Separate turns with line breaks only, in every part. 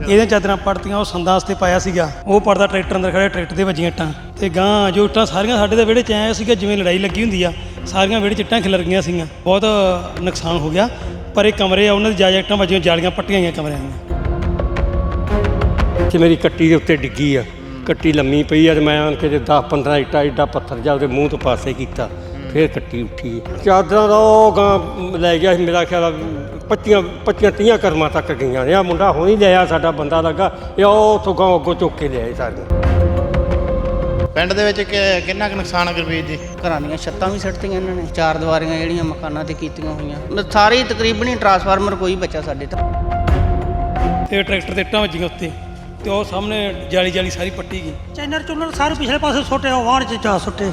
ਇਹਦੀਆਂ ਚਾਦਰਾਂ ਪੜਤੀਆਂ, ਉਹ ਸੰਦਾਂ ਵਾਸਤੇ ਪਾਇਆ ਸੀਗਾ, ਉਹ ਪੜਦਾ ਟਰੈਕਟਰ ਅੰਦਰ ਖੜਿਆ, ਟਰੈਕਟਰ ਦੇ ਵੱਜੀਆਂ ਇੱਟਾਂ ਤੇ ਗਾਂ ਜੋ ਇੱਟਾਂ ਸਾਰੀਆਂ ਸਾਡੇ ਦੇ ਵਿਹੜੇ 'ਚ ਆਇਆ ਸੀਗਾ ਜਿਵੇਂ ਲੜਾਈ ਲੱਗੀ ਹੁੰਦੀ ਆ, ਸਾਰੀਆਂ ਵਿਹੜੇ 'ਚ ਇੱਟਾਂ ਖਿਲਰ ਗਈਆਂ ਸੀਗੀਆਂ, ਬਹੁਤ ਨੁਕਸਾਨ ਹੋ ਗਿਆ। ਪਰ ਇਹ ਕਮਰੇ ਆ ਉਹਨਾਂ ਦੀ ਜਾਇਜ਼ ਇੱਟਾਂ ਵੱਜੀਆਂ, ਜਾਲੀਆਂ ਪੱਟੀਆਂ ਗਈਆਂ ਕਮਰਿਆਂ ਦੀਆਂ।
ਤੇ ਮੇਰੀ ਕੱਟੀ ਦੇ ਉੱਤੇ ਡਿੱਗੀ ਆ, ਕੱਟੀ ਲੰਮੀ ਪਈ ਆ ਤੇ ਮੈਂ ਆਣ ਕੇ 10-15 ਇੱਟਾਂ ਏਡਾ ਪੱਥਰ ਜਾ ਉਹਦੇ ਮੂੰਹ ਤੋਂ ਪਾਸੇ ਕੀਤਾ, ਫਿਰ ਕੱਟੀ ਉੱਠੀ। ਚਾਦਰਾਂ ਦਾ ਉਹ ਗਾਂ ਲੈ ਗਿਆ ਸੀ, ਮੇਰਾ ਖਿਆਲ 25-30 ਕਰਮਾਂ ਤੱਕ ਗਈਆਂ ਨੇ। ਆ ਮੁੰਡਾ ਹੁਣ ਹੀ ਲਿਆ, ਸਾਡਾ ਬੰਦਾ ਲੱਗਾ, ਇਹ ਉਹ ਉੱਥੋਂ ਗਾਂ ਅੱਗੋਂ ਚੁੱਕ ਕੇ ਲਿਆਏ ਸਾਰੀਆਂ।
ਪਿੰਡ ਦੇ ਵਿੱਚ ਕਿੰਨਾ ਕੁ ਨੁਕਸਾਨ ਆ ਗੁਰਬੀਰ ਜੀ?
ਘਰਾਂ ਦੀਆਂ ਛੱਤਾਂ ਵੀ ਸਿੱਟਤੀਆਂ ਇਹਨਾਂ ਨੇ, 4 ਦੀਵਾਰੀਆਂ ਜਿਹੜੀਆਂ ਮਕਾਨਾਂ ਤੇ ਕੀਤੀਆਂ ਹੋਈਆਂ, ਸਾਰੀ ਤਕਰੀਬਨ ਹੀ ਟਰਾਂਸਫਾਰਮਰ ਕੋਈ ਬਚਾ ਸਾਡੇ ਤਾਂ।
ਤੇ ਟਰੈਕਟਰ ਤੇ ਇੱਟਾਂ ਵੱਜੀਆਂ ਉੱਤੇ ਤੇ ਉਹ ਸਾਹਮਣੇ ਜਾਲੀ ਸਾਰੀ ਪੱਟੀ ਗਈ।
ਚੈਨਰ ਚੁਨਰ ਸਾਰੇ ਪਿਛਲੇ ਪਾਸੇ ਸੁੱਟੇ, ਉਹ ਵਾਹਣ 'ਚ ਜਾ ਸੁੱਟੇ।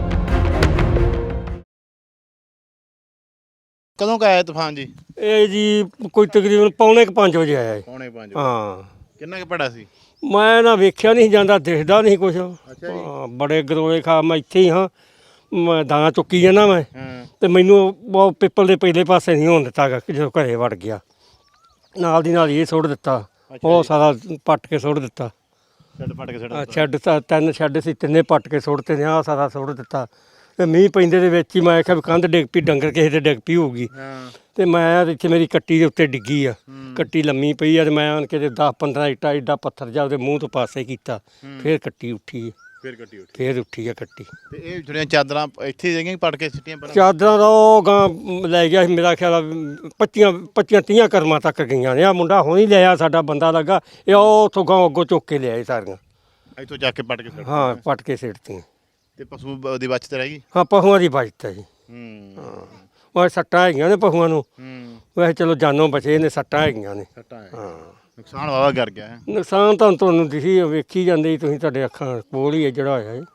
ਕਦੋਂ ਕੁ ਆਇਆ ਤੂਫਾਨ ਜੀ?
ਇਹ ਜੀ ਕੋਈ ਤਕਰੀਬਨ 4:45 ਵਜੇ ਆਇਆ ਜੀ।
5:45
ਹਾਂ,
ਕਿੰਨਾ ਕੁ ਪੜਾ ਸੀ?
ਮੈਂ ਨਾ ਵੇਖਿਆ ਨਹੀਂ ਜਾਂਦਾ, ਦਿਖਦਾ ਨਹੀਂ ਕੁਛ। ਹਾਂ, ਬੜੇ ਗਰੋਲੇ ਖਾ, ਮੈਂ ਇੱਥੇ ਹੀ ਹਾਂ, ਮੈਂ ਦਾਣਾ ਚੁੱਕੀ ਜਾਂਦਾ ਮੈਂ, ਤੇ ਮੈਨੂੰ ਉਹ ਪਿੱਪਲ ਦੇ ਪਹਿਲੇ ਪਾਸੇ ਨਹੀਂ ਹੋਣ ਦਿੱਤਾ ਗਾ, ਜਦੋਂ ਘਰੇ ਵੜ ਗਿਆ ਨਾਲ ਦੀ ਨਾਲ ਇਹ ਸੁੱਟ ਦਿੱਤਾ, ਉਹ ਸਾਰਾ ਪੱਟ ਕੇ ਸੁੱਟ ਦਿੱਤਾ।
ਛੱਡ ਪੱਟ ਕੇ ਛੱਡ
ਸ਼ੈੱਡ ਤਾਂ 3 ਸ਼ੈੱਡ ਸੀ, ਤਿੰਨੇ ਪੱਟ ਕੇ ਸੁੱਟਤੇ ਨੇ, ਆਹ ਸਾਰਾ ਸੁੱਟ ਦਿੱਤਾ। ਤੇ ਮੀਂਹ ਪੈਂਦੇ ਦੇ ਵਿੱਚ ਹੀ ਮੈਂ ਕਿਹਾ ਵੀ ਕੰਧ ਡਿੱਗ ਪਈ, ਡੰਗਰ ਕਿਸੇ ਦੇ ਡਿੱਗ ਪਈ ਹੋਊਗੀ। ਤੇ ਮੈਂ ਇੱਥੇ ਮੇਰੀ ਕੱਟੀ ਦੇ ਉੱਤੇ ਡਿੱਗੀ ਆ, ਕੱਟੀ ਲੰਮੀ ਪਈ ਆ ਤੇ ਮੈਂ ਆਣ ਕੇ 10-15 ਇੱਟਾਂ ਏਡਾ ਪੱਥਰ ਜਾ ਉਹਦੇ ਮੂੰਹ ਤੋਂ ਪਾਸੇ ਕੀਤਾ, ਫਿਰ ਕੱਟੀ ਉੱਠੀ। ਫਿਰ ਉੱਠੀ ਆ ਕੱਟੀ।
ਤੇ ਇਹ ਜਿਹੜੀਆਂ ਚਾਦਰਾਂ ਇੱਥੇ ਜਿਹੜੀਆਂ ਪੱਟ ਕੇ ਸਿੱਟੀਆਂ
ਚਾਦਰਾਂ ਦਾ ਉਹ ਗਾਂ ਲੈ ਗਿਆ ਸੀ, ਮੇਰਾ ਖਿਆਲ 25-30 ਕਰਮਾਂ ਤੱਕ ਗਈਆਂ ਨੇ। ਆ ਮੁੰਡਾ ਹੁਣ ਹੀ ਲਿਆ, ਸਾਡਾ ਬੰਦਾ ਲੱਗਾ, ਇਹ ਉਹ ਉੱਥੋਂ ਗਾਂ ਅੱਗੋਂ ਚੁੱਕ ਕੇ ਲਿਆਏ ਸਾਰੀਆਂ।
ਇੱਥੋਂ ਜਾ ਕੇ ਪੱਟ ਕੇ
ਹਾਂ, ਪੱਟ ਕੇ ਸਿੱਟਤੀਆਂ।
ਤੇ ਪਸ਼ੂ ਦੀ ਬਚਤ ਰਹਿ ਗਈ?
ਹਾਂ, ਪਸ਼ੂਆਂ ਦੀ ਬਚਤ ਹੈ ਜੀ। ਹਾਂ, ਉਹ ਸੱਟਾਂ ਹੈਗੀਆਂ ਨੇ ਪਸ਼ੂਆਂ ਨੂੰ, ਵੈਸੇ ਚਲੋ ਜਾਨੋਂ ਬਚੇ ਨੇ, ਸੱਟਾਂ ਹੈਗੀਆਂ ਨੇ। ਹਾਂ,
ਨੁਕਸਾਨ ਵਾਵਾ ਕਰ ਗਿਆ ਹੈ।
ਨੁਕਸਾਨ ਤਾਂ ਤੁਹਾਨੂੰ ਦਿਖੀ ਵੇਖੀ ਜਾਂਦੇ ਤੁਸੀਂ, ਤੁਹਾਡੇ ਅੱਖਾਂ ਕੋਲ ਹੀ ਹੈ ਜਿਹੜਾ ਹੋਇਆ ਜੀ।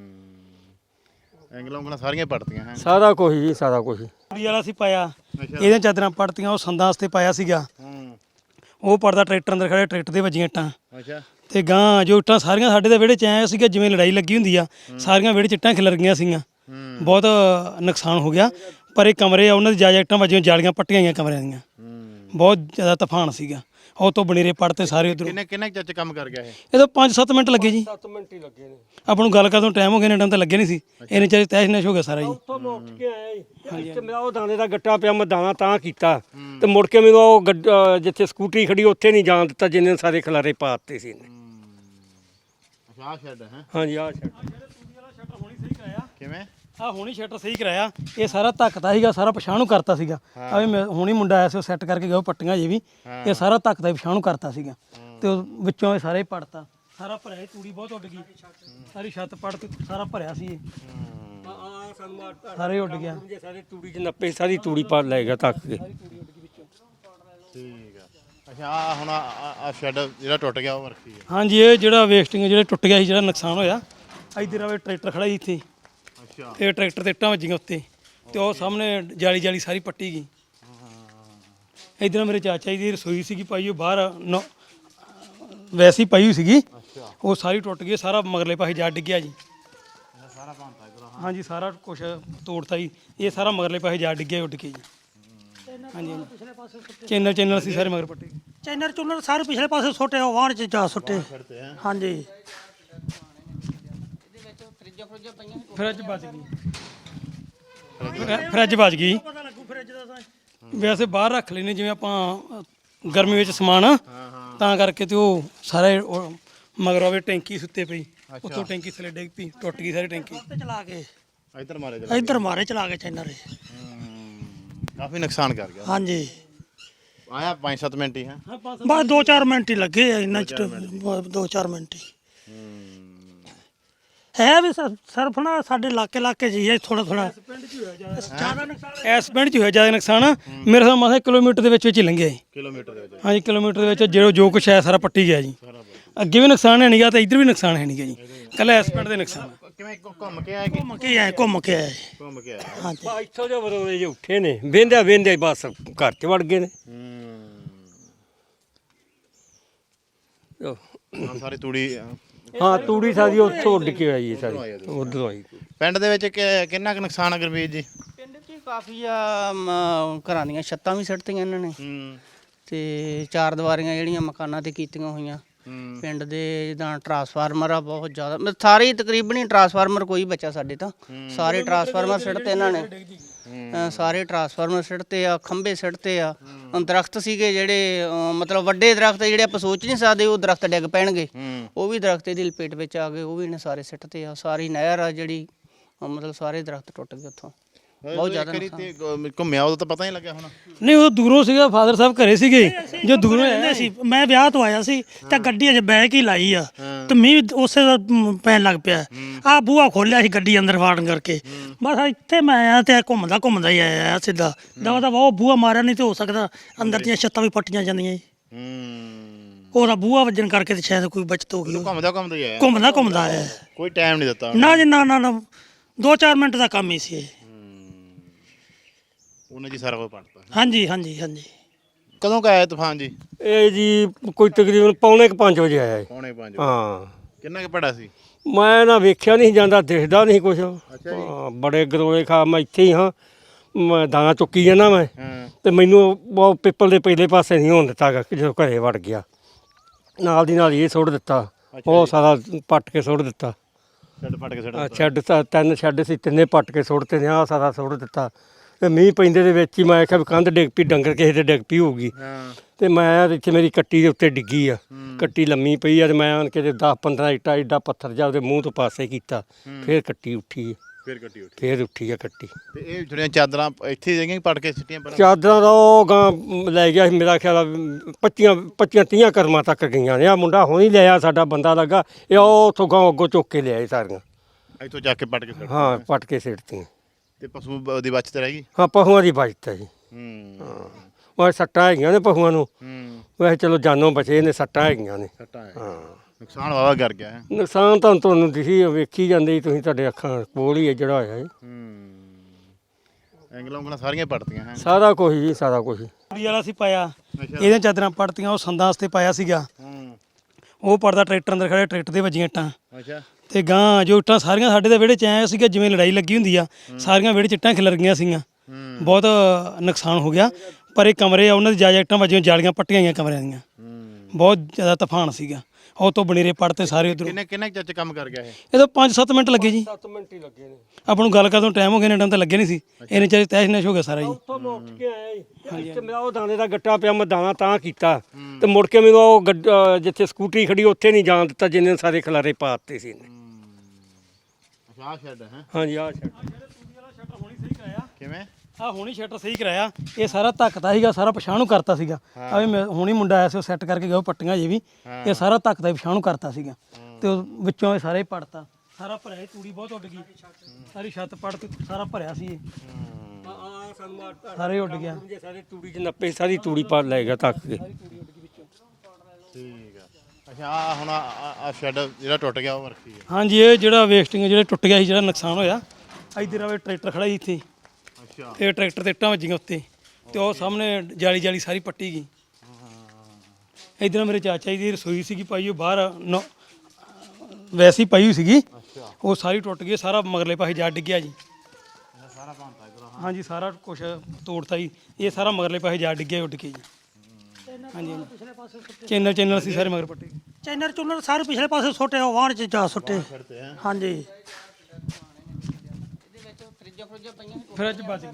ਐਂਗਲਾਂ ਉਂਗਲਾਂ ਸਾਰੀਆਂ ਪੱਟਦੀਆਂ ਹੈ,
ਸਾਰਾ ਕੁਝ ਜੀ, ਸਾਰਾ ਕੁਝ।
ਕੁੜੀ ਵਾਲਾ ਸੀ ਪਾਇਆ, ਇਹਦੀਆਂ ਚਾਦਰਾਂ ਪੜਤੀਆਂ, ਉਹ ਸੰਦਾਂ ਵਾਸਤੇ ਪਾਇਆ ਸੀਗਾ, ਉਹ ਪੜਦਾ ਟਰੈਕਟਰ ਅੰਦਰ ਖੜਿਆ, ਟਰੈਕਟਰ ਦੇ ਵੱਜੀਆਂ ਇੱਟਾਂ ਤੇ ਗਾਂ ਜੋ ਇੱਟਾਂ ਸਾਰੀਆਂ ਸਾਡੇ ਦੇ ਵਿਹੜੇ 'ਚ ਆਇਆ ਸੀਗਾ ਜਿਵੇਂ ਲੜਾਈ ਲੱਗੀ ਹੁੰਦੀ ਆ, ਸਾਰੀਆਂ ਵਿਹੜੇ 'ਚ ਇੱਟਾਂ ਖਿਲਰ ਗਈਆਂ ਸੀਗੀਆਂ, ਬਹੁਤ ਨੁਕਸਾਨ ਹੋ ਗਿਆ। ਪਰ ਇਹ ਕਮਰੇ ਆ ਉਹਨਾਂ ਦੀ ਜਾਇਜ਼ ਇੱਟਾਂ ਵੱਜੀਆਂ, ਜਾਲੀਆਂ ਪੱਟੀਆਂ ਗਈਆਂ ਕਮਰਿਆਂ ਦੀਆਂ, ਬਹੁਤ ਜ਼ਿਆਦਾ ਤੂਫਾਨ ਸੀਗਾ। ਉਹ ਤੋਂ ਬਨੇਰੇ ਪੜਤੇ ਸਾਰੇ ਉਧਰੋਂ।
ਕਿੰਨੇ ਚੱਚ ਕੰਮ ਕਰ ਗਿਆ ਇਹ?
ਇਹਦੋਂ 5-7 ਮਿੰਟ ਲੱਗੇ ਜੀ।
7 ਮਿੰਟ ਹੀ ਲੱਗੇ ਨੇ
ਆਪਾਂ ਨੂੰ ਗੱਲ ਕਰਨ ਨੂੰ ਟਾਈਮ ਹੋ ਗਿਆ, ਨੇ ਟਾਈਮ ਤਾਂ ਲੱਗੇ ਨਹੀਂ ਸੀ, ਇਹਨੇ ਚਾਹੇ ਤੈਸ਼ ਨੈਸ਼ ਹੋ ਗਿਆ ਸਾਰਾ ਜੀ।
ਉੱਥੋਂ ਮੈਂ ਉੱਠ ਕੇ ਆਇਆ ਜੀ, ਇੱਥੇ ਮੇਰਾ ਉਹ ਦਾਣੇ ਦਾ ਗੱਟਾ ਪਿਆ, ਮੈਂ ਦਾਣਾ ਤਾਂ ਕੀਤਾ ਤੇ ਮੁੜ ਕੇ ਮੈਨੂੰ ਉਹ ਜਿੱਥੇ ਸਕੂਟਰੀ ਖੜੀ ਉੱਥੇ ਨਹੀਂ ਜਾਣ ਦਿੱਤਾ, ਜਿੰਨੇ ਸਾਰੇ ਖਿਲਾਰੇ ਪਾ ਦਿੱਤੇ ਸੀ ਇਹਨੇ।
ਆਹ ਸ਼ੈੱਡ ਹੈ?
ਹਾਂਜੀ, ਆਹ ਸ਼ੈੱਡ
ਕਿਵੇਂ?
ਆਹ ਹੁਣੀ ਸ਼ਟਰ ਸਹੀ ਕਰਾਇਆ, ਇਹ ਸਾਰਾ ਧੱਕਦਾ ਸੀਗਾ, ਸਾਰਾ ਪਛਾਣ ਨੂੰ ਕਰਤਾ ਸੀਗਾ। ਆ ਵੀ ਹੁਣੀ ਮੁੰਡਾ ਆਇਆ ਸੀ, ਉਹ ਸੈੱਟ ਕਰਕੇ ਗਿਆ, ਉਹ ਪੱਟੀਆਂ ਜੇ ਵੀ, ਇਹ ਸਾਰਾ ਧੱਕਦਾ ਹੀ ਪਛਾਣ ਨੂੰ ਕਰਤਾ ਸੀਗਾ, ਤੇ ਉਹ ਵਿੱਚੋਂ ਇਹ ਸਾਰੇ ਹੀ ਪੜਤਾ, ਸਾਰਾ ਭਰਿਆ, ਤੂੜੀ ਬਹੁਤ ਉੱਡ ਗਈ, ਸਾਰੀ ਛੱਤ ਪੜ ਕੇ ਸਾਰਾ ਭਰਿਆ ਸੀ ਇਹ, ਸਾਰੇ ਉੱਡ ਗਿਆ।
ਸਾਰੇ ਤੂੜੀ 'ਚ ਨੱਪੇ, ਸਾਰੀ ਤੂੜੀ ਪਾ ਲੈ ਗਿਆ ਧੱਕ ਕੇ।
ਠੀਕ ਆ। ਅੱਛਾ, ਆ ਹੁਣ ਆ ਸ਼ੈੱਡ ਜਿਹੜਾ ਟੁੱਟ ਗਿਆ ਉਹ ਵਰਕੀ ਹੈ?
ਹਾਂਜੀ, ਇਹ ਜਿਹੜਾ ਵੇਸਟਿੰਗ ਜਿਹੜਾ ਟੁੱਟ ਗਿਆ ਸੀ, ਜਿਹੜਾ ਨੁਕਸਾਨ ਹੋਇਆ, ਇੱਧਰ ਆਵੇ ਟਰੈਕਟਰ ਖੜਾ ਜੀ ਇੱਥੇ, ਤੇ ਟਰੈਕਟਰ ਤੇ ਇੱਟਾਂ ਵੱਜੀਆਂ ਉੱਤੇ ਤੇ ਉਹ ਸਾਹਮਣੇ ਜਾਲੀ ਸਾਰੀ ਪੱਟੀ ਗਈ। ਇੱਧਰ ਮੇਰੇ ਚਾਚਾ ਜੀ ਦੀ ਰਸੋਈ ਸੀਗੀ ਪਾਈ, ਉਹ ਬਾਹਰ ਵੈਸੀ ਪਾਈ ਹੋਈ ਸੀਗੀ, ਉਹ ਸਾਰੀ ਟੁੱਟ ਗਈ, ਸਾਰਾ ਮਗਰਲੇ ਪਾਸੇ ਜਾ ਡਿੱਗਿਆ ਜੀ। ਹਾਂਜੀ, ਸਾਰਾ ਕੁਛ ਤੋੜਤਾ ਜੀ, ਇਹ ਸਾਰਾ ਮਗਰਲੇ ਪਾਸੇ ਜਾ ਡਿੱਗਿਆ, ਉੱਡ ਕੇ ਜੀ। ਹਾਂਜੀ, ਚੈਨਲ ਸੀ ਸਾਰੇ ਮਗਰ ਪੱਟੇ।
ਚੈਨਰ ਚੁਨਰ ਸਾਰੇ ਪਿਛਲੇ ਪਾਸੇ ਸੁੱਟੇ, ਉਹ ਵਾਹਣ 'ਚ ਜਾ ਸੁੱਟੇ। ਹਾਂਜੀ,
ਫਰਿੱਜ ਬਚ ਗਈ, ਫਰਿੱਜ ਬਚ ਗਈ। ਵੈਸੇ ਬਾਹਰ ਰੱਖ ਲੈਨੇ ਜਿਵੇਂ ਆਪਾਂ ਗਰਮੀ ਵਿੱਚ ਸਮਾਨ, ਤਾਂ ਕਰਕੇ ਤੇ ਉਹ ਸਾਰੇ ਮਗਰ ਆਵੇ ਟੈਂਕੀ ਸੁੱਤੇ ਪਈ, ਉੱਥੋਂ ਟੈਂਕੀ ਥੱਲੇ ਡਿੱਗ ਪਈ, ਟੁੱਟ ਗਈ ਸਾਰੀ ਟੈਂਕੀ।
ਚਲਾ ਕੇ
ਇੱਧਰ
ਮਾਰੇ ਚਲਾ ਕੇ ਚੈਨਰ
ਕਾਫੀ ਨੁਕਸਾਨ ਕਰ ਗਿਆ।
ਹਾਂਜੀ,
ਆਇਆ 5-7 ਮਿੰਟ ਹੀ ਹੈ?
ਬਸ 2-4 ਮਿੰਟ ਹੀ ਲੱਗੇ ਆ, ਇੰਨਾ 2-4 ਮਿੰਟ ਹੀ ਹੈ। ਵੀ ਸਰਫ ਨਾ ਸਾਡੇ ਇਲਾਕੇ ਜੀ ਹੈ, ਥੋੜਾ
ਇਸ ਪਿੰਡ 'ਚ ਹੋਇਆ ਜ਼ਿਆਦਾ ਨੁਕਸਾਨ, ਮੇਰੇ ਹਿਸਾਬ ਨਾਲ ਕਿਲੋਮੀਟਰ ਦੇ ਵਿੱਚ ਹੀ ਲੰਘਿਆ ਜੀ।
ਕਿਲੋਮੀਟਰ ਦੇ ਵਿੱਚ?
ਹਾਂਜੀ, ਕਿਲੋਮੀਟਰ ਦੇ ਵਿੱਚ ਜੋ ਕੁਛ ਹੈ ਸਾਰਾ ਪੱਟੀ ਗਿਆ ਜੀ। ਅੱਗੇ ਵੀ ਨੁਕਸਾਨ ਹੈ ਨਹੀਂਗਾ ਤੇ ਇੱਧਰ ਵੀ ਨੁਕਸਾਨ ਹੈ ਨਹੀਂਗਾ ਜੀ, ਕੱਲਾ ਇਸ ਪਿੰਡ ਦੇ ਨੁਕਸਾਨ।
ਕਿਵੇਂ ਘੁੰਮ ਕੇ ਆਇਆ?
ਘੁੰਮ ਕੇ ਆਏ।
ਹਾਂਜੀ, ਇੱਥੋਂ ਜੋ ਬਰੋਲੇ ਜੇ ਉੱਠੇ ਨੇ, ਵੇਂਦੇ ਬਸ ਘਰ 'ਚ ਵੜ ਗਏ ਨੇ।
ਸਾਰੀ ਤੂੜੀ?
ਹਾਂ, ਤੂੜੀ ਸਾਰੀ ਉੱਥੋਂ ਉੱਡ ਕੇ ਆਈ ਹੈ, ਸਾਰੀ ਉੱਧਰੋਂ ਆਈ।
ਪਿੰਡ ਦੇ ਵਿੱਚ ਕਿੰਨਾ ਕੁ ਨੁਕਸਾਨ ਆ ਗੁਰਬੀਰ ਜੀ?
ਪਿੰਡ 'ਚ ਕਾਫੀ ਆ, ਘਰਾਂ ਦੀਆਂ ਛੱਤਾਂ ਵੀ ਸਿੱਟਤੀਆਂ ਇਹਨਾਂ ਨੇ, ਤੇ ਚਾਰ ਦੀਵਾਰੀਆਂ ਜਿਹੜੀਆਂ ਮਕਾਨਾਂ ਤੇ ਕੀਤੀਆਂ ਹੋਈਆਂ ਪਿੰਡ ਦੇ ਜਿੱਦਾਂ ਟਰਾਂਸਫਾਰਮਰ ਆ ਬਹੁਤ ਜ਼ਿਆਦਾ ਸਾਰੇ ਹੀ ਤਕਰੀਬਨ ਹੀ ਟਰਾਂਸਫਾਰਮਰ ਕੋਈ ਬਚਾ ਸਾਡੇ ਤਾਂ ਸਾਰੇ ਟਰਾਂਸਫਾਰਮਰ ਸਿੱਟ ਤੇ ਇਹਨਾਂ ਨੇ ਸਾਰੇ ਟਰਾਂਸਫਾਰਮਰ ਸਿੱਟ ਤੇ ਆ ਖੰਭੇ ਸਿੱਟ ਤੇ ਆ ਦਰਖਤ ਸੀਗੇ ਜਿਹੜੇ ਮਤਲਬ ਵੱਡੇ ਦਰਖਤ ਜਿਹੜੇ ਆਪਾਂ ਸੋਚ ਨਹੀਂ ਸਕਦੇ ਉਹ ਦਰਖਤ ਡਿੱਗ ਪੈਣਗੇ ਉਹ ਵੀ ਦਰਖਤ ਇਹਦੀ ਲਪੇਟ ਵਿੱਚ ਆ ਗਏ ਉਹ ਵੀ ਇਹਨੇ ਸਾਰੇ ਸਿੱਟ ਤੇ ਆ ਸਾਰੀ ਨਹਿਰ ਆ ਜਿਹੜੀ ਮਤਲਬ ਸਾਰੇ ਦਰਖਤ ਟੁੱਟ ਗਏ ਉੱਥੋਂ ਬਹੁਤ ਜ਼ਿਆਦਾ ਨੁਕਸਾਨ।
ਘੁੰਮਿਆ ਉਦੋਂ ਤਾਂ ਪਤਾ ਨਹੀਂ ਲੱਗਿਆ ਹੁਣ।
ਨਹੀਂ ਉਹ ਦੂਰੋਂ ਸੀਗਾ ਫਾਦਰ ਸਾਹਿਬ ਘਰੇ ਸੀਗੇ ਜੋ ਦੂਰੋਂ ਆਇਆ
ਸੀ ਮੈਂ ਵਿਆਹ ਤੋਂ ਆਇਆ ਸੀ ਤੇ ਗੱਡੀ ਅਜੇ ਬੈਕ ਹੀ ਲਾਈ ਆ ਤੇ ਮੀਂਹ ਉਸੇ ਦਾ ਪੈਣ ਲੱਗ ਪਿਆ ਆ ਬੂਹਾ ਖੋਲਿਆ ਸੀ ਗੱਡੀ ਅੰਦਰ ਵਾੜਨ ਕਰਕੇ ਬਸ ਇੱਥੇ ਮੈਂ ਆਇਆ ਤੇ ਘੁੰਮਦਾ ਹੀ ਆਇਆ ਸਿੱਧਾ ਦਵਾ ਉਹ ਬੂਹਾ ਮਾਰਿਆ ਨਹੀਂ ਤੇ ਹੋ ਸਕਦਾ ਅੰਦਰ ਦੀਆਂ ਛੱਤਾਂ ਵੀ ਪੱਟੀਆਂ ਜਾਂਦੀਆਂ ਜੀ ਉਹਦਾ ਬੂਹਾ ਵੱਜਣ ਕਰਕੇ ਤੇ ਸ਼ਾਇਦ ਕੋਈ ਬਚਤ ਹੋ ਗਈ
ਘੁੰਮਦਾ ਹੀ ਆਇਆ।
ਘੁੰਮਦਾ ਆਇਆ
ਕੋਈ ਟਾਈਮ ਨਹੀਂ ਦਿੱਤਾ
ਨਾ ਜੀ ਨਾ 2-4 ਮਿੰਟ ਦਾ ਕੰਮ ਹੀ ਸੀ ਇਹ।
ਉਹਨੇ ਜੀ ਸਾਰਾ ਕੁਝ ਪੜਤਾ।
ਹਾਂਜੀ
ਕਦੋਂ ਕ ਆਇਆ ਤੂਫਾਨ ਜੀ?
ਇਹ ਜੀ ਕੋਈ ਤਕਰੀਬਨ 4:45 ਵਜੇ ਆਇਆ ਜੀ।
4:45
ਹਾਂ
ਕਿੰਨਾ ਕੁ ਪੜਾ ਸੀ?
ਮੈਂ ਨਾ ਵੇਖਿਆ ਨਹੀਂ ਜਾਂਦਾ ਦਿਖਦਾ ਨਹੀਂ ਕੁਛ ਹਾਂ ਬੜੇ ਗਰੋਲੇ ਖਾ ਮੈਂ ਇੱਥੇ ਹੀ ਹਾਂ ਮੈਂ ਦਾਣਾ ਚੁੱਕੀ ਜਾਂਦਾ ਮੈਂ ਤੇ ਮੈਨੂੰ ਉਹ ਪਿੱਪਲ ਦੇ ਪਹਿਲੇ ਪਾਸੇ ਨਹੀਂ ਹੋਣ ਦਿੱਤਾ ਗਾ ਜਦੋਂ ਘਰੇ ਵੜ ਗਿਆ ਨਾਲ ਦੀ ਨਾਲ ਇਹ ਸੁੱਟ ਦਿੱਤਾ ਉਹ ਸਾਰਾ ਪੱਟ ਕੇ ਸੁੱਟ ਦਿੱਤਾ ਸ਼ੈੱਡ ਤਾਂ 3 ਸ਼ੈੱਡ ਸੀ ਤਿੰਨੇ ਪੱਟ ਕੇ ਸੁੱਟਤੇ ਨੇ ਆਹ ਸਾਰਾ ਸੁੱਟ ਦਿੱਤਾ ਤੇ ਮੀਂਹ ਪੈਂਦੇ ਦੇ ਵਿੱਚ ਹੀ ਮੈਂ ਆਖਿਆ ਵੀ ਕੰਧ ਡਿੱਗ ਪਈ ਡੰਗਰ ਕਿਸੇ ਦੇ ਡਿੱਗ ਪਈ ਹੋਊਗੀ ਤੇ ਮੈਂ ਇੱਥੇ ਮੇਰੀ ਕੱਟੀ ਦੇ ਉੱਤੇ ਡਿੱਗੀ ਆ ਕੱਟੀ ਲੰਮੀ ਪਈ ਆ ਤੇ ਮੈਂ ਆਣ ਕੇ 10-15 ਇੱਟਾਂ ਏਡਾ ਪੱਥਰ ਜਾ ਉਹਦੇ ਮੂੰਹ ਤੋਂ ਪਾਸੇ ਕੀਤਾ ਫਿਰ ਕੱਟੀ ਉੱਠੀ ਫਿਰ ਉੱਠੀ ਆ ਕੱਟੀ।
ਤੇ ਇਹ ਜਿਹੜੀਆਂ ਚਾਦਰਾਂ ਇੱਥੇ ਜਿਹੜੀਆਂ ਪੱਟ ਕੇ ਸਿੱਟੀਆਂ
ਚਾਦਰਾਂ ਦਾ ਉਹ ਗਾਂ ਲੈ ਗਿਆ ਸੀ ਮੇਰਾ ਖਿਆਲ 25-30 ਕਰਮਾਂ ਤੱਕ ਗਈਆਂ ਨੇ ਆ ਮੁੰਡਾ ਹੁਣੀ ਲਿਆ ਸਾਡਾ ਬੰਦਾ ਲੱਗਾ ਇਹ ਉਹ ਉੱਥੋਂ ਗਾਂ ਅੱਗੋਂ ਚੁੱਕ ਕੇ ਲਿਆਏ ਸਾਰੀਆਂ
ਇੱਥੋਂ ਜਾ ਕੇ ਪੱਟ ਕੇ
ਹਾਂ ਪੱਟ ਕੇ ਸਿੱਟਤੀਆਂ
ਤੇ ਪਸ਼ੂ ਦੀ ਬਚਤ ਰਹਿ ਗਈ।
ਹਾਂ ਪਹੂਆਂ ਦੀ ਬਚਤ ਹੈ ਜੀ ਹਾਂ ਉਹ ਸੱਟਾਂ ਹੈਗੀਆਂ ਨੇ ਪਹੂਆਂ ਨੂੰ ਵੈਸੇ ਚਲੋ ਜਾਨੋਂ ਬਚੇ ਨੇ ਸੱਟਾਂ ਹੈਗੀਆਂ ਨੇ ਹਾਂ
ਨੁਕਸਾਨ ਵਾਵਾ ਕਰ ਗਿਆ ਹੈ।
ਨੁਕਸਾਨ ਤਾਂ ਤੁਹਾਨੂੰ ਦਿਖੀ ਵੇਖੀ ਜਾਂਦੇ ਤੁਸੀਂ ਤੁਹਾਡੇ ਅੱਖਾਂ ਕੋਲ ਹੀ ਹੈ ਜਿਹੜਾ ਹੋਇਆ ਜੀ
ਐਂਗਲਾਂ ਸਾਰੀਆਂ ਪੜਤੀਆਂ ਹੈ
ਸਾਰਾ ਕੁਝ ਜੀ ਸਾਰਾ ਕੁਝ
ਵਾਲਾ ਸੀ ਪਾਇਆ ਇਹਦੀਆਂ ਚਾਦਰਾਂ ਪੜਤੀਆਂ ਉਹ ਸੰਦਾਂ ਵਾਸਤੇ ਪਾਇਆ ਸੀਗਾ ਉਹ ਪੜਦਾ ਟਰੈਕਟਰ ਅੰਦਰ ਖੜੇ ਟਰੈਕਟਰ ਦੇ ਵੱਜੀਆਂ ਇੱਟਾਂ ਤੇ ਗਾਂ ਜੋ ਇੱਟਾਂ ਸਾਰੀਆਂ ਸਾਡੇ ਦੇ ਵਿਹੜੇ 'ਚ ਆਇਆ ਸੀਗਾ ਜਿਵੇਂ ਲੜਾਈ ਲੱਗੀ ਹੁੰਦੀ ਆ ਸਾਰੀਆਂ ਵਿਹੜੇ 'ਚ ਇੱਟਾਂ ਖਿਲਰ ਗਈਆਂ ਸੀਗੀਆਂ ਬਹੁਤ ਨੁਕਸਾਨ ਹੋ ਗਿਆ ਪਰ ਇਹ ਕਮਰੇ ਆ ਉਹਨਾਂ ਦੀ ਜਾਇਜ਼ ਇੱਟਾਂ ਵੱਜੀਆਂ ਜਾਲੀਆਂ ਪੱਟੀਆਂ ਗਈਆਂ ਕਮਰਿਆਂ ਦੀਆਂ ਬਹੁਤ ਜ਼ਿਆਦਾ ਤੂਫਾਨ ਸੀਗਾ ਉਹ ਤੋਂ ਬਨੇਰੇ ਪੜਤੇ ਸਾਰੇ ਉਧਰੋਂ।
ਕਿੰਨੇ ਚੱਚ ਕੰਮ ਕਰ ਗਿਆ
ਇਹ ਤਾਂ 5-7 ਮਿੰਟ ਲੱਗੇ ਜੀ
7 ਮਿੰਟ ਹੀ ਲੱਗੇ ਨੇ
ਆਪਾਂ ਨੂੰ ਗੱਲ ਕਰਨ ਨੂੰ ਟਾਈਮ ਹੋ ਗਿਆ ਨੇ ਟਾਈਮ ਤਾਂ ਲੱਗੇ ਨਹੀਂ ਸੀ ਇਹਨੇ ਚਾਹੇ ਤੈਸ਼ ਨੈਸ਼ ਹੋ ਗਿਆ ਸਾਰਾ ਜੀ।
ਉੱਥੋਂ ਮੈਂ ਉੱਠ ਕੇ ਆਇਆ ਜੀ ਇੱਥੇ ਮੇਰਾ ਉਹ ਦਾਣੇ ਦਾ ਗੱਟਾ ਪਿਆ ਮੈਂ ਦਾਣਾ ਤਾਂ ਕੀਤਾ ਤੇ ਮੁੜ ਕੇ ਮੈਨੂੰ ਉਹ ਜਿੱਥੇ ਸਕੂਟਰੀ ਖੜੀ ਉੱਥੇ ਨਹੀਂ ਜਾਣ ਦਿੱਤਾ ਜਿੰਨੇ ਸਾਰੇ ਖਲਾਰੇ ਪਾ ਦਿੱਤੇ ਸੀ ਇਹਨੇ।
ਆਹ ਸ਼ੈੱਡ ਹੈ
ਹਾਂਜੀ ਆਹ ਸ਼ੈੱਡ
ਕਿਵੇਂ
ਆ ਹੁਣੀ ਸ਼ਟਰ ਸਹੀ ਕਰਾਇਆ ਇਹ ਸਾਰਾ ਧੱਕਦਾ ਸੀਗਾ ਸਾਰਾ ਪਛਾਣ ਨੂੰ ਕਰਤਾ ਸੀਗਾ ਆ ਵੀ ਹੁਣੀ ਮੁੰਡਾ ਆਇਆ ਸੀ ਉਹ ਸੈੱਟ ਕਰਕੇ ਗਿਆ ਉਹ ਪੱਟੀਆਂ ਜੇ ਵੀ ਇਹ ਸਾਰਾ ਧੱਕਦਾ ਹੀ ਪਛਾਣ ਨੂੰ ਕਰਤਾ ਸੀਗਾ ਤੇ ਉਹ ਵਿੱਚੋਂ ਇਹ ਸਾਰੇ ਹੀ ਪੜਤਾ ਸਾਰਾ ਭਰਿਆ ਤੂੜੀ ਬਹੁਤ ਉੱਡ ਗਈ ਸਾਰੀ ਛੱਤ ਪੜ ਕੇ ਸਾਰਾ ਭਰਿਆ ਸੀ ਇਹ ਸਾਰੇ ਉੱਡ ਗਿਆ
ਸਾਰੇ ਤੂੜੀ 'ਚ ਨੱਪੇ ਸਾਰੀ ਤੂੜੀ ਪਾ ਲੈ ਗਿਆ ਧੱਕ ਕੇ
ਠੀਕ ਆ। ਅੱਛਾ ਆ ਹੁਣ ਆ ਸ਼ੈੱਡ ਜਿਹੜਾ ਟੁੱਟ ਗਿਆ ਉਹ ਵਰਕੀ ਹੈ।
ਹਾਂਜੀ ਇਹ ਜਿਹੜਾ ਵੇਸਟਿੰਗ ਜਿਹੜਾ ਟੁੱਟ ਗਿਆ ਸੀ ਜਿਹੜਾ ਨੁਕਸਾਨ ਹੋਇਆ ਇੱਧਰ ਆਵੇ ਟਰੈਕਟਰ ਖੜਾ ਸੀ ਇੱਥੇ
ਅੱਛਾ
ਤੇ ਟਰੈਕਟਰ ਤੇ ਇੱਟਾਂ ਵੱਜੀਆਂ ਉੱਤੇ ਤੇ ਉਹ ਸਾਹਮਣੇ ਜਾਲੀ ਸਾਰੀ ਪੱਟੀ ਗਈ ਇੱਧਰ ਮੇਰੇ ਚਾਚਾ ਜੀ ਦੀ ਰਸੋਈ ਸੀਗੀ ਪਾਈ ਉਹ ਬਾਹਰ ਵੈਸੀ ਪਾਈ ਹੋਈ ਸੀਗੀ ਉਹ ਸਾਰੀ ਟੁੱਟ ਗਈ ਸਾਰਾ ਮਗਰਲੇ ਪਾਸੇ ਜਾ ਡਿੱਗਿਆ ਜੀ ਹਾਂਜੀ ਸਾਰਾ ਕੁਝ ਤੋੜਤਾ ਜੀ ਇਹ ਸਾਰਾ ਮਗਰਲੇ ਪਾਸੇ ਜਾ ਡਿੱਗਿਆ ਉੱਡ ਕੇ ਜੀ ਹਾਂਜੀ ਚੈਨਲ ਸੀ ਸਾਰੇ ਮਗਰ ਪੱਟੇ
ਚੈਨਰ ਸਾਰੇ ਪਿਛਲੇ ਪਾਸੇ ਸੁੱਟੇ ਉਹ ਵਾਹਣ ਚ ਜਾ ਸੁੱਟੇ ਹਾਂਜੀ
ਫਰਿੱਜ ਬਚ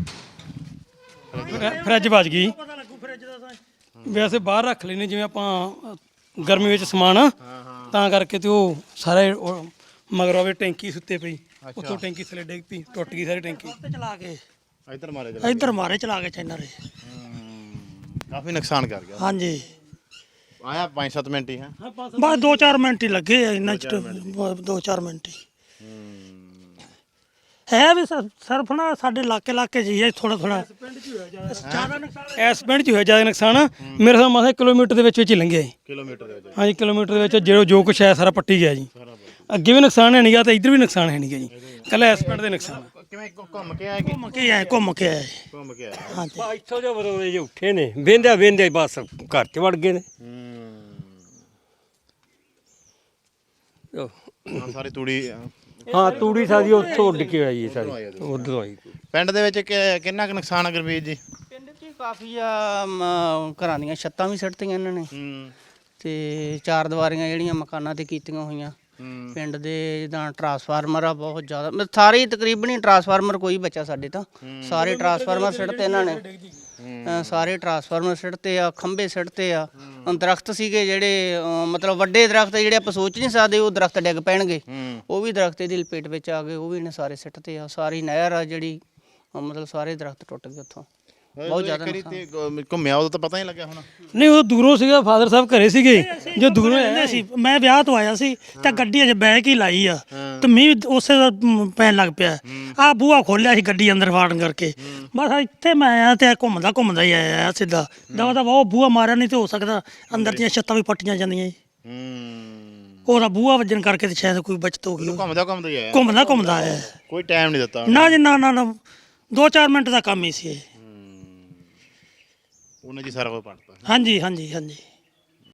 ਗਈ
ਪਤਾ ਲੱਗੂ ਫਰਿੱਜ ਦਾ ਤਾਂ
ਵੈਸੇ ਬਾਹਰ ਰੱਖ ਲੈਨੇ ਜਿਵੇਂ ਆਪਾਂ ਗਰਮੀ ਵਿੱਚ ਸਮਾਨ ਤਾਂ ਕਰਕੇ ਤੇ ਉਹ ਸਾਰੇ ਮਗਰ ਆਵੇ ਟੈਂਕੀ ਸੁੱਤੇ ਪਈ ਉੱਥੋਂ ਟੈਂਕੀ ਥੱਲੇ ਡਿੱਗ ਪਈ ਟੁੱਟ ਗਈ ਸਾਰੀ ਟੈਂਕੀ
ਚਲਾ ਕੇ
ਇੱਧਰ ਮਾਰੇ
ਚਲਾ ਕੇ ਚੈਨਰ
ਕਾਫੀ ਨੁਕਸਾਨ ਕਰ ਗਿਆ।
ਹਾਂਜੀ
ਆਇਆ 5-7 ਮਿੰਟ ਹੀ ਹੈ
ਬਸ 2-4 ਮਿੰਟ ਹੀ ਲੱਗੇ ਆ ਇੰਨਾ 2-4 ਮਿੰਟ ਹੀ ਹੈ ਵੀ ਸਰਫ ਨਾ ਸਾਡੇ ਇਲਾਕੇ ਜੀ ਹੈ ਥੋੜਾ ਜ਼ਿਆਦਾ ਨੁਕਸਾਨ
ਇਸ ਪਿੰਡ 'ਚ ਹੋਇਆ ਜ਼ਿਆਦਾ ਨੁਕਸਾਨ ਮੇਰੇ ਹਿਸਾਬ ਨਾਲ ਕਿਲੋਮੀਟਰ ਦੇ ਵਿੱਚ ਹੀ ਲੰਘਿਆ ਜੀ
ਕਿਲੋਮੀਟਰ ਦੇ ਵਿੱਚ
ਹਾਂਜੀ ਕਿਲੋਮੀਟਰ ਦੇ ਵਿੱਚ ਜੋ ਕੁਛ ਹੈ ਸਾਰਾ ਪੱਟੀ ਗਿਆ ਜੀ ਅੱਗੇ ਵੀ ਨੁਕਸਾਨ ਹੈ ਨਹੀਂਗਾ ਤੇ ਇੱਧਰ ਵੀ ਨੁਕਸਾਨ ਹੈ ਨਹੀਂਗਾ ਜੀ ਕੱਲਾ ਇਸ ਪਿੰਡ ਦੇ ਨੁਕਸਾਨ
ਕਿਵੇਂ ਘੁੰਮ ਕੇ ਆਇਆ
ਘੁੰਮ ਕੇ ਆਏ
ਹਾਂਜੀ
ਇੱਥੋਂ ਜੋ ਬਰੋਲੇ ਜੇ ਉੱਠੇ ਨੇ ਵੇਂਦੇ ਬਸ ਘਰ 'ਚ ਵੜ ਗਏ ਨੇ
ਸਾਰੀ ਤੂੜੀ
ਹਾਂ ਤੂੜੀ ਸਾਡੀ ਉੱਥੋਂ ਉੱਡ ਕੇ ਆਈ ਸਾਰੀ ਉਧਰੋਂ ਆਈ
ਪਿੰਡ ਦੇ ਵਿੱਚ ਕਿੰਨਾ ਕੁ ਨੁਕਸਾਨ ਆ ਗੁਰਮੀਤ ਜੀ?
ਪਿੰਡ 'ਚ ਕਾਫੀ ਆ ਘਰਾਂ ਦੀਆਂ ਛੱਤਾਂ ਵੀ ਸਿੱਟਤੀਆਂ ਇਹਨਾਂ ਨੇ
ਹੂੰ
ਤੇ ਚਾਰ ਦੀਵਾਰੀਆਂ ਜਿਹੜੀਆਂ ਮਕਾਨਾਂ ਤੇ ਕੀਤੀਆਂ ਹੋਈਆਂ ਪਿੰਡ ਦੇ ਜਿੱਦਾਂ ਟਰਾਂਸਫਾਰਮਰ ਆ ਬਹੁਤ ਜ਼ਿਆਦਾ ਸਾਰੇ ਹੀ ਤਕਰੀਬਨ ਹੀ ਟਰਾਂਸਫਾਰਮਰ ਕੋਈ ਬਚਾ ਸਾਡੇ ਤਾਂ ਸਾਰੇ ਟਰਾਂਸਫਾਰਮਰ ਸਿੱਟਤੇ ਇਹਨਾਂ ਨੇ ਸਾਰੇ ਟਰਾਂਸਫਾਰਮਰ ਸਿੱਟਤੇ ਆ ਖੰਭੇ ਸਿੱਟਤੇ ਆ ਦਰਖਤ ਸੀਗੇ ਜਿਹੜੇ ਮਤਲਬ ਵੱਡੇ ਦਰਖਤ ਜਿਹੜੇ ਆਪਾਂ ਸੋਚ ਨਹੀਂ ਸਕਦੇ ਉਹ ਦਰਖਤ ਡਿੱਗ ਪੈਣਗੇ ਉਹ ਵੀ ਦਰਖਤ ਦੀ ਲਪੇਟ ਵਿੱਚ ਆ ਗਏ ਉਹ ਵੀ ਇਹਨੇ ਸਾਰੇ ਸਿੱਟਤੇ ਆ ਸਾਰੀ ਨਹਿਰ ਆ ਜਿਹੜੀ ਮਤਲਬ ਸਾਰੇ ਦਰਖਤ ਟੁੱਟ ਗਏ ਉੱਥੋਂ ਬਹੁਤ ਜ਼ਿਆਦਾ
ਕਰੀ ਤੇ ਘੁੰਮਿਆ ਉਦੋਂ ਤਾਂ ਪਤਾ ਨਹੀਂ ਲੱਗਿਆ ਹੁਣ
ਨਹੀਂ ਉਹ ਦੂਰੋਂ ਸੀਗਾ ਫਾਦਰ ਸਾਹਿਬ ਘਰੇ ਸੀਗੇ ਜੋ ਦੂਰੋਂ ਆਇਆ
ਸੀ ਮੈਂ ਵਿਆਹ ਤੋਂ ਆਇਆ ਸੀ ਤਾਂ ਗੱਡੀ ਅਜੇ ਬੈਕ ਹੀ ਲਾਈ ਆ ਤੇ ਮੀਂਹ ਉਸੇ ਦਾ ਪੈਣ ਲੱਗ ਪਿਆ ਆ ਬੂਹਾ ਖੋਲਿਆ ਸੀ ਗੱਡੀ ਅੰਦਰ ਵਾੜਨ ਕਰਕੇ ਬਸ ਇੱਥੇ ਮੈਂ ਆਇਆ ਤੇ ਘੁੰਮਦਾ ਹੀ ਆਇਆ ਸਿੱਧਾ ਦਵਾ ਉਹ ਬੂਹਾ ਮਾਰਿਆ ਨਹੀਂ ਤੇ ਹੋ ਸਕਦਾ ਅੰਦਰ ਦੀਆਂ ਛੱਤਾਂ ਵੀ ਪੱਟੀਆਂ ਜਾਂਦੀਆਂ ਜੀ ਉਹਦਾ ਬੂਹਾ ਵੱਜਣ ਕਰਕੇ ਤੇ ਸ਼ਾਇਦ ਕੋਈ ਬਚਤ ਹੋ ਗਈ
ਘੁੰਮਦਾ ਹੀ ਆਇਆ
ਘੁੰਮਦਾ ਆਇਆ
ਕੋਈ ਟਾਈਮ ਨਹੀਂ ਦਿੱਤਾ
ਨਾ ਜੀ ਨਾ 2-4 ਮਿੰਟ ਦਾ ਕੰਮ ਹੀ ਸੀ ਇਹ
ਉਹਨੇ ਜੀ ਸਾਰਾ ਕੁਝ ਪੜਤਾ
ਹਾਂਜੀ